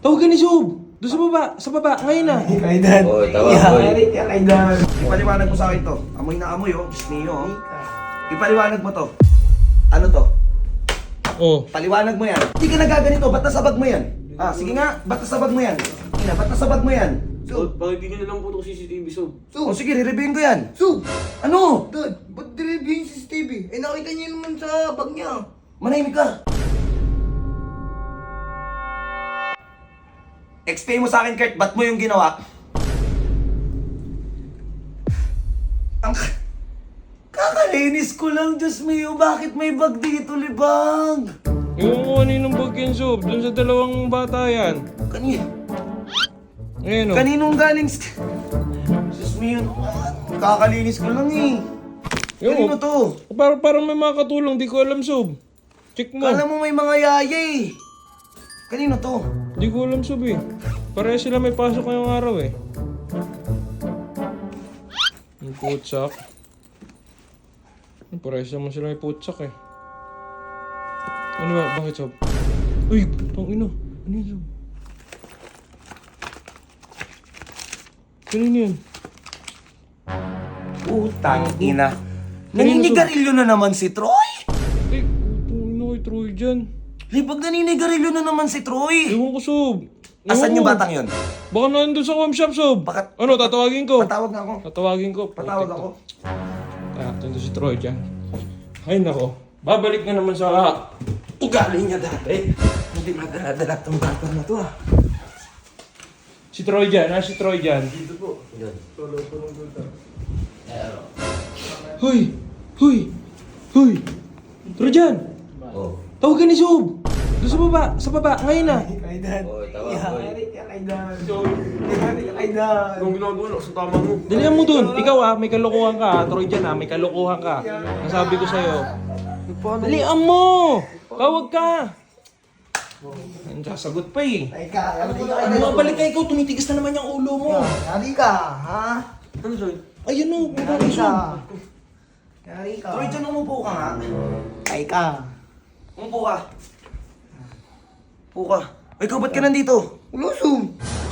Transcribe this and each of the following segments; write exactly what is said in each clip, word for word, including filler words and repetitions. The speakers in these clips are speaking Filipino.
Tawagan ni Sob! Doon sa baba, sa baba, ngayon na. Kaidan. Oy, tawag, oy. Yeah, kaidan. Ipaliwanag mo sa akin to. Amoy na amoy oh. Diyos niyo oh. Ipaliwanag mo to. Ano to? Oh. Paliwanag mo yan. Hindi ka nagaganito. Ba't nasabag mo yan? Ah, sige nga. Ba't nasabag mo yan? Ina, ba't nasabag mo yan? So, pakibigyan na lang po ito C C T V, so. O sige, re-reviewin ko yan. So, Ano? Dad, ba't direview yung C C T V? Eh, nakita niya naman sa bag niya. Manahimik ka. Explain mo sa akin, Kurt, ba't mo yung ginawa? Ang... Kakalinis ko lang, Diyos mio. Bakit may bag dito, libang? Yung kaninong bag yan, Sob? Doon sa dalawang bata yan. Kani... Ngayon oh. Kaninong galing... st- Diyos mio, kakalinis ko lang eh. Yung- Kanino to? Parang, parang may makakatulong, di ko alam, Sob. Check mo. Kala mo may mga yaya eh. Kanino to? Di ko alam, Sob eh. Pareha sila may pasok ngayong araw eh. Yung putsak. Pareha naman sila may putsak eh. Ano ba? Bakit, Sob? Uy! Tangina! Ano yun, Sob? Kanino yun? Utang ina. Naninigarilyo na naman si Troy? Eh, tangina kay Troy dyan. Libag naninigarilyo na naman si Troy. Ewan ko, Sob. Ewan Asan ko. yung batang yun? Baka nandun sa home shop, Sob. Baka- Ano, tatawagin ko. Patawag na ako. Tatawagin ko. Patawag Putik ako. to. Ah, nandun si Troy dyan. Ay, nako. Babalik na naman sa ugali niya dati. Hindi madala-dala tong batang na to ah. Si Troy dyan, ah, si Troy dyan. Hoy! Hoy! Hoy! Troy dyan! Oh. Tawagan ni Sob! Doon sa baba, sa baba, ngayon na. Kaidan. Oy, tawag, oy. Kaidan. Kaidan. Anong ginagawa na sa tama mo? Dalihan mo dun. Ikaw ah, may kalokohan ka ah. Troy dyan ah, may kalokohan ka. Nasabi ko sa'yo. Dalihan mo! Tawag ka! Ang sasagot pa eh. Ay ka, yari ka. Ano nga balik ka ikaw? Tumitigas na naman yung ulo mo. Yari ka, ha? Ano, Soy? Ayun o, Yari pumunta ka. Yari ka. Troy, dyan umupo ka nga. Ay ka. Umupo ka. Umupo ka. Ay, ikaw ba't ka nandito? Ulusog.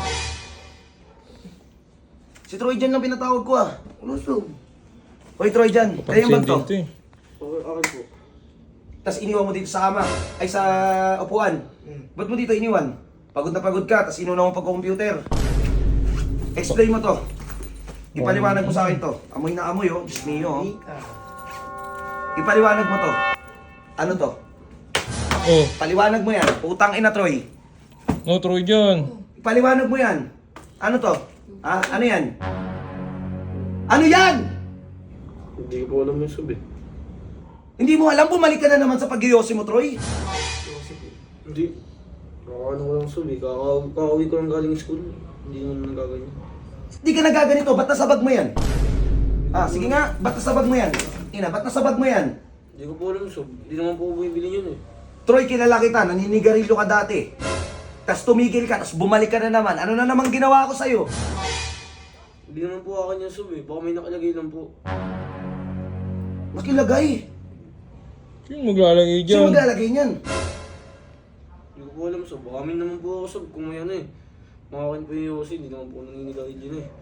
Si Troy dyan lang pinatawag ko ah. Ulusog. Hoy, Troy dyan. Kaya yung bag to. Dito eh. Okay, akin po. Tapos iniwan mo dito sa kama. Ay, sa upuan. Ba't mo dito iniwan? Pagod na pagod ka, tapos inuna mo pag-computer. Explain mo to. Ipaliwanag mo sa akin to. Amoy na amoy oh. Diyos niyo oh. Yari ka. Ipaliwanag mo to. Ano to? Oh, Paliwanag mo yan. Utang ina, Troy. no Troy dyan. Ipaliwanag mo yan. Ano to? Ah, ano yan? Ano yan? Hindi ko po alam yung sub eh. Hindi mo alam, bumalik ka na naman sa pag-iyosi mo, Troy. Hindi. Nakakano ko lang sub eh. Kaka- Kakauwi ko lang galing school. Hindi naman nagaganyan. Hindi ka nagaganito, ba't nasabag mo yan? Ah, sige nga, ba't nasabag mo yan? Ina, ba't nasabag mo yan? Hindi ko po alam sub. Hindi naman po bumibili yun eh. Troy, kilala kita, naninigarilyo ka dati. Tapos tumigil ka, tapos bumalik ka na naman. Ano na namang ginawa ko sa'yo? Hindi naman po akin yung sub eh. Baka may nakalagay lang po. Makilagay. Sino maglalagay Sino dyan? maglalagay niyan? Hindi ko po alam sub. Baka may naman po ako sub kung may ano eh. Makakin po yung yosi. Hindi naman po nanginigay dyan eh.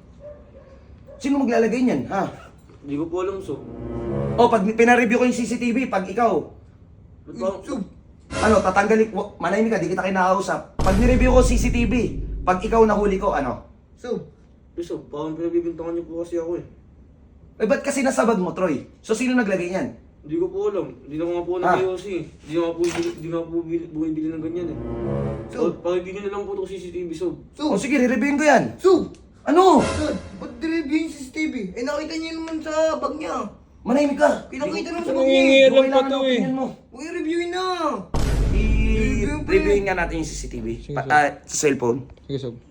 Sino maglalagay niyan, ha? Hindi ko po alam sub. O, pag pinareview ko yung C C T V, pag ikaw, Ba't ba? Ulusog. ano, tatanggalin, wa- manahimik ka, di kita kinakausap. Pag nireview ko C C T V, pag ikaw nahuli ko, ano? Sub. Eh sub, parang pinabibintangan niyo po kasi ako eh. Eh, ba't kasi nasabag mo, Troy? So, sino naglagay niyan? Hindi ko po alam. Hindi na nga po Ah. nag-yosi eh. Hindi na nga po, hindi na nga po bumibili, bumibili ng ganyan eh. So, pakibigyan na lang po ito C C T V sub. O, Sub. sige, re-reviewin ko yan. Sub. Ano? Dad, ba't direview yung C C T V? Eh, nakita niya naman sa bag niya. Manahimik ka. Pinakita naman sa Ano bag niya. nangingi- eh. Alam pa Kailangan to ng eh. opinion mo. Uy, reviewin na. I-reviewin nga natin yung C C T V. Sige, Pa- sige. ah, sa cellphone. Sige, Sob.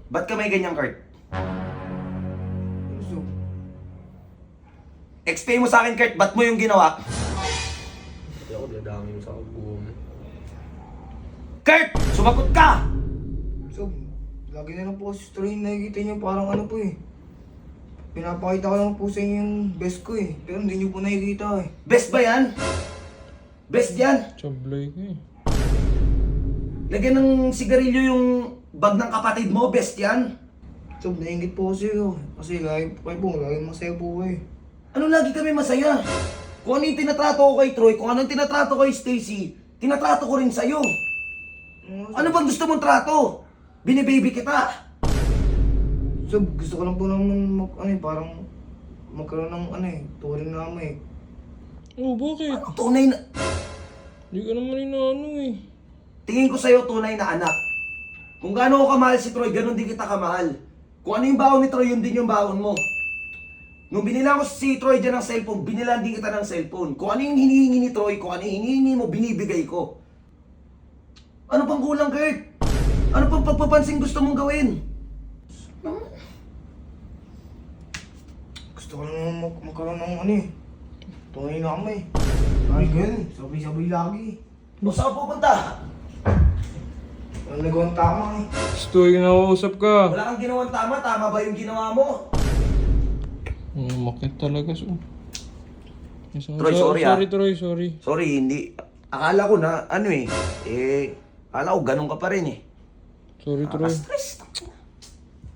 Ba't ka may ganyang, Kurt? So, Explain mo sa akin, Kurt, ba't mo yung ginawa? Hindi ako dadami mo sa buo mo. Kurt! Sumagot ka! so, lagi na lang po kasi story yung nakikita niyo parang ano po eh. Pinapakita ko lang po sa inyo yung best ko eh. Pero hindi niyo po nakikita eh. Best ba yan? Best yan? Sablay ko eh. Lagyan ng sigarilyo yung bag ng kapatid mo, best yan? So, naingit po kasi yun. Kasi lagi po kayo po, lagi masaya po kayo. Ano lagi kami masaya? Kung ano yung tinatrato ko kay Troy, kung ano yung tinatrato ko kay Stacy, tinatrato ko rin sa'yo. Ano bang gusto mong trato? Binibaby kita. So, gusto ko lang po naman mag, ano eh, parang magkaroon ng ano eh, turing na ama eh. Oh, bakit? Ang tunay na... Hindi ka naman inaano eh. Tingin ko sa'yo tunay na anak. Kung gaano ko kamahal si Troy, ganun din kita kamahal. Kung ano yung baon ni Troy, yun din yung baon mo. Nung binila ko si Troy dyan ng cellphone, binilan din kita ng cellphone. Kung ano yung hinihingi ni Troy, kung ano yung hinihingi mo, binibigay ko. Ano pang kulang, Kurt? Ano pang pagpapansin gusto mong gawin? Gusto ko lang naman mag magkaroon ng ano eh, turing na ama eh. Ay, ganun, sabay-sabay lagi. O saan ka pupunta? Walang nagawang tama eh. Gusto yung nakausap ka. Wala kang ginawang tama, tama ba yung ginawa mo? Hmm, makit talaga. So. Yes, Troy, sorry, ah. Sorry, Troy, sorry. Sorry, hindi. Akala ko na, ano eh, eh, akala ko ganun ka pa rin eh. Sorry, Troy. Nakaka-stress.